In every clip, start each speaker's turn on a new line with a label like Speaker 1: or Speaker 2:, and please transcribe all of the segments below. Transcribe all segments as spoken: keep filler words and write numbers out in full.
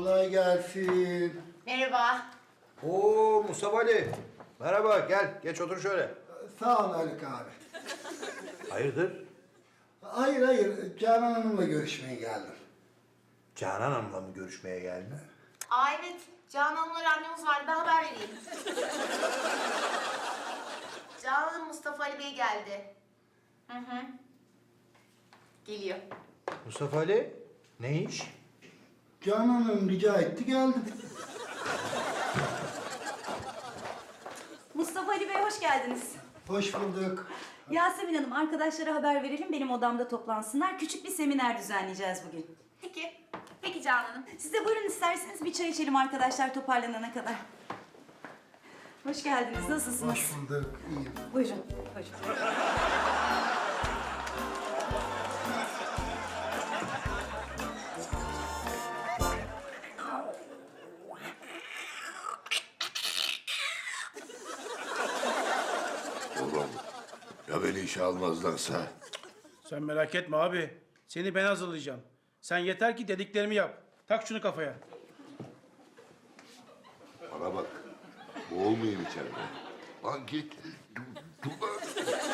Speaker 1: Kolay gelsin.
Speaker 2: Merhaba.
Speaker 3: Oo Mustafa Ali. Merhaba gel geç otur şöyle.
Speaker 1: Sağ ol Haluk abi.
Speaker 3: Hayırdır?
Speaker 1: Hayır hayır, Canan Hanım'la görüşmeye geldim.
Speaker 3: Canan Hanım'la mı görüşmeye geldin?
Speaker 2: Aa evet, Canan Hanım'la randevumuz vardı, ben haber vereyim. Canan Hanım Mustafa Ali Bey geldi. Hı hı. Geliyor.
Speaker 3: Mustafa Ali ne iş?
Speaker 1: Canan Hanım rica etti geldim.
Speaker 4: Mustafa Ali Bey hoş geldiniz.
Speaker 1: Hoş bulduk.
Speaker 4: Yasemin Hanım arkadaşlara haber verelim benim odamda toplansınlar. Küçük bir seminer düzenleyeceğiz bugün.
Speaker 2: Peki. Peki Canan Hanım.
Speaker 4: Siz de buyurun isterseniz bir çay içelim arkadaşlar toparlanana kadar. Hoş geldiniz. Nasılsınız?
Speaker 1: Hoş bulduk. İyiyim.
Speaker 4: Buyurun. Buyurun.
Speaker 5: Oğlum, ya beni işe almazlarsa?
Speaker 6: Sen merak etme abi. Seni ben hazırlayacağım. Sen yeter ki dediklerimi yap. Tak şunu kafaya.
Speaker 5: Bana bak, boğulmayayım içeride. Lan git. Dur, dur lan.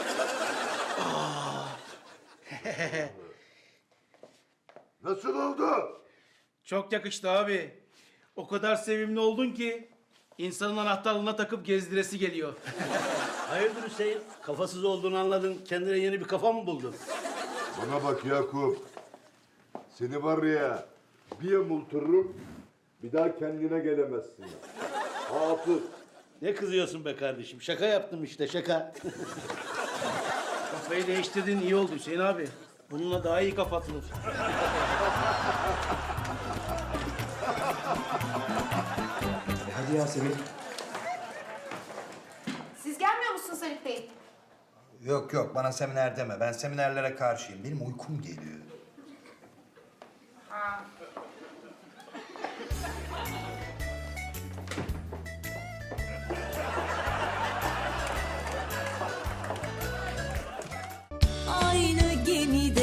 Speaker 5: Nasıl oldu?
Speaker 6: Çok yakıştı abi. O kadar sevimli oldun ki insanın anahtarlığına takıp gezdiresi geliyor.
Speaker 7: Hayırdır Hüseyin? Kafasız olduğunu anladın. Kendine yeni bir kafa mı buldun?
Speaker 5: Bana bak Yakup. Seni var ya, bir yamultururum, bir daha kendine gelemezsin. Hafız.
Speaker 7: Ne kızıyorsun be kardeşim? Şaka yaptım işte şaka.
Speaker 6: Kafayı değiştirdiğin iyi oldu Hüseyin abi. Bununla daha iyi kafa atılır.
Speaker 3: Hadi Yasemin.
Speaker 2: Siz gelmiyor musunuz Haluk Bey?
Speaker 3: Yok yok bana seminer deme. Ben seminerlere karşıyım. Benim uykum geliyor.
Speaker 2: Ha.
Speaker 8: Aynı gemide